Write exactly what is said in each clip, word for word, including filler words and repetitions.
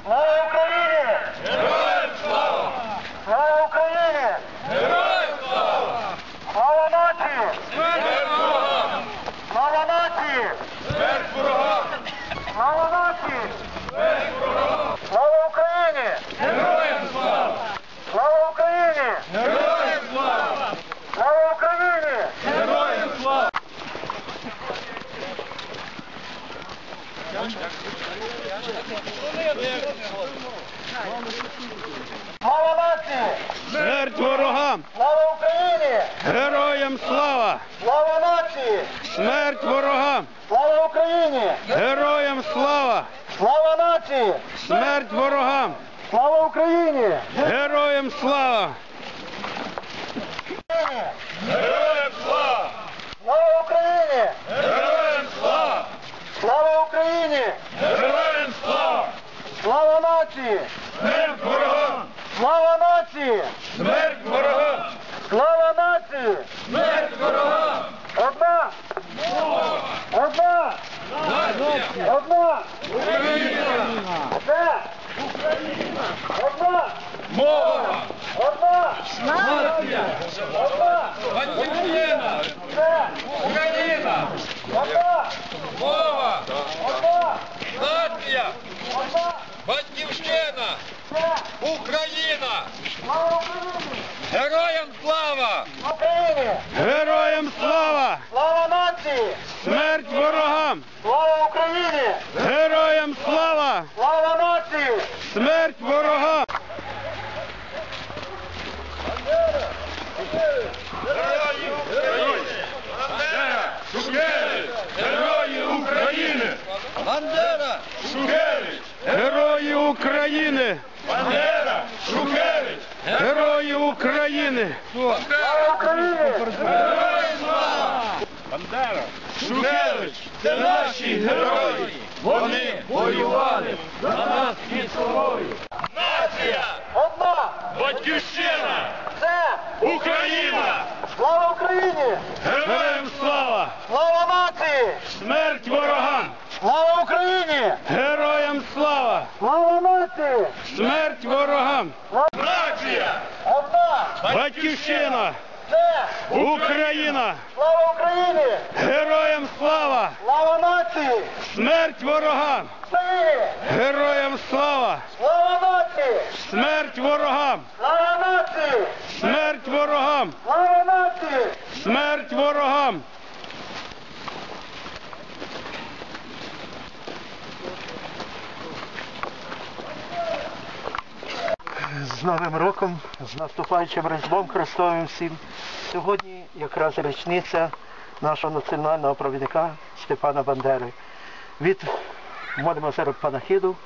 Слава Україні! Героям слава! Слава Україні! Героям слава! Слава нації! Смерть ворогам! Слава нації! Смерть ворогам! Слава нації! Смерть ворогам! Слава Україні! Героям слава! Слава Україні! Героям слава! Слава Україні! Героям слава! Слава нації! Смерть ворогам! Слава Україні! Героям слава! Слава нації! Смерть ворогам! Слава Україні! Героям слава! Слава нації! Смерть ворогам! Слава Україні! Героям слава! Героям слава! Слава Україні! Героям слава! Слава Україні! Героям слава! Слава нації! Смерть ворогам! Слава нації! Смерть ворогам! Слава нації! Смерть ворогам! Одна! Одна! Нація! Одна! Україна! Це! Одна! Мова! Одна! Нація! Одна! Батьківщина! Це! Україна! Одна! Мова! Одна! Нація! Одна! Батьківщина! Це! Україна! Слава Україні! Героям слава! Україні! Героям слава! Слава нації! Смерть ворогам! Слава Україні! Героям слава! Слава нації! Смерть ворогам! Герої України! Бандера! Шухевич! Герої України! Бандера! Шухевич! Герої України! Бандера! Шухевич! Герої України! Слава Україні! Героям слава! Бандера! Шухевич! Це наші герої! Вони воювали за нас під собою! Нація! Одна! Батьківщина! Це! Україна! Слава Україні! Героям слава! Слава нації! Смерть ворогам! Слава Україні! Героям слава! Слава нації! Смерть ворогам! Нація! Одна! Батьківщина! Це! Україна! Слава Україні! Героям слава! Слава нації! Смерть ворогам! Україні! Героям слава! Слава нації! Смерть ворогам! Слава нації! Смерть ворогам! Слава нації! Смерть ворогам! З Новим роком, з наступаючим Різдвом Христовим всім. Сьогодні якраз річниця нашого національного провідника Степана Бандери. Від молимо зараз панахиду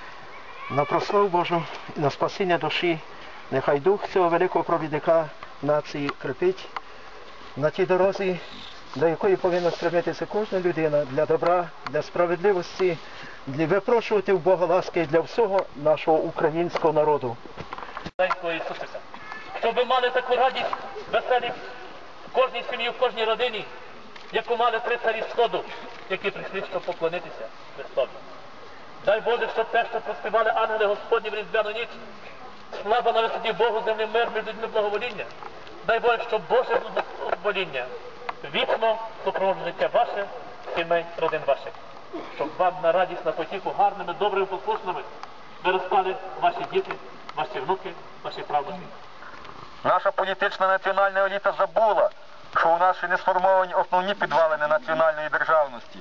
на прославу Божу і на спасіння душі. Нехай дух цього великого провідника нації крепить на тій дорозі, до якої повинна стремитися кожна людина для добра, для справедливості, для випрошувати в Бога ласки для всього нашого українського народу. Маленького Ісусика. Щоб ви мали таку радість, веселість в кожній сім'ї, в кожній родині, яку мали три царі Сходу, які прийшли, щоб поклонитися Христові. Дай Боже, щоб те, що проспівали ангели Господні в різдвяну ніч, слава на висоті Богу, землі мир, між людьми благовоління. Дай Боже, щоб Боже благовоління вічно супроводжує життя ваше, сімей, родин ваших. Щоб вам на радість, на потіху гарними, добрими, послушними виростали ваші діти, ваші внуки, ваші правнуки. Наша політична національна еліта забула, що у нас ще не сформовані основні підвалини національної державності.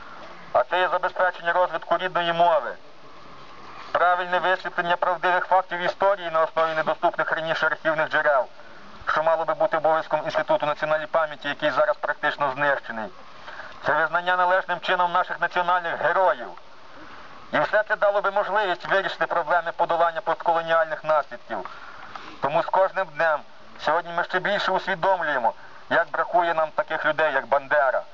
А це є забезпечення розвитку рідної мови, правильне висвітлення правдивих фактів історії на основі недоступних раніше архівних джерел, що мало би бути обов'язком Інституту національної пам'яті, який зараз практично знищений. Це визнання належним чином наших національних героїв. І все це дало би можливість вирішити проблеми подолання постколоніальних наслідків. Тому з кожним днем сьогодні ми ще більше усвідомлюємо, як бракує нам таких людей, як Бандера.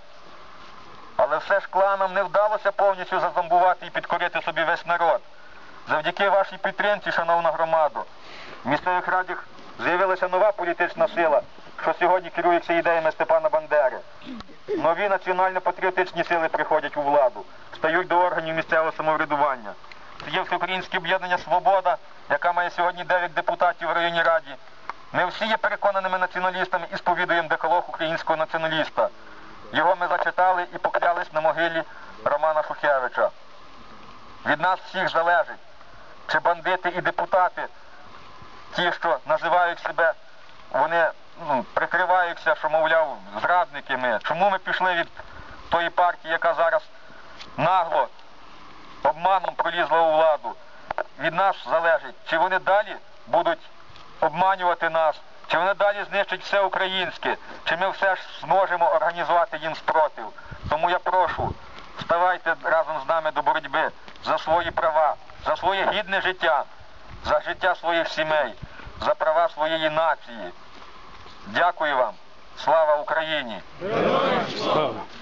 Але все ж кланам не вдалося повністю зазомбувати і підкорити собі весь народ. Завдяки вашій підтримці, шановна громадо, в місцевих радах з'явилася нова політична сила, що сьогодні керується ідеями Степана Бандери. Нові національно-патріотичні сили приходять у владу, стають до органів місцевого самоврядування. є Всеукраїнське об'єднання «Свобода», яка має сьогодні дев'ять депутатів в районній раді. Ми всі є переконаними націоналістами і сповідуємо декалог українського націоналіста. Його ми зачитали і поклялись на могилі Романа Шухевича. Від нас всіх залежить, чи бандити і депутати, ті, що називають себе, вони ну, прикриваються, що, мовляв, зрадники ми. Чому ми пішли від тої партії, яка зараз нагло, обманом пролізла у владу? Від нас залежить, чи вони далі будуть обманювати нас, чи вони далі знищать все українське, чи ми все ж зможемо організувати їм спротив. Тому я прошу, вставайте разом з нами до боротьби за свої права, за своє гідне життя, за життя своїх сімей, за права своєї нації. Дякую вам. Слава Україні! Слава!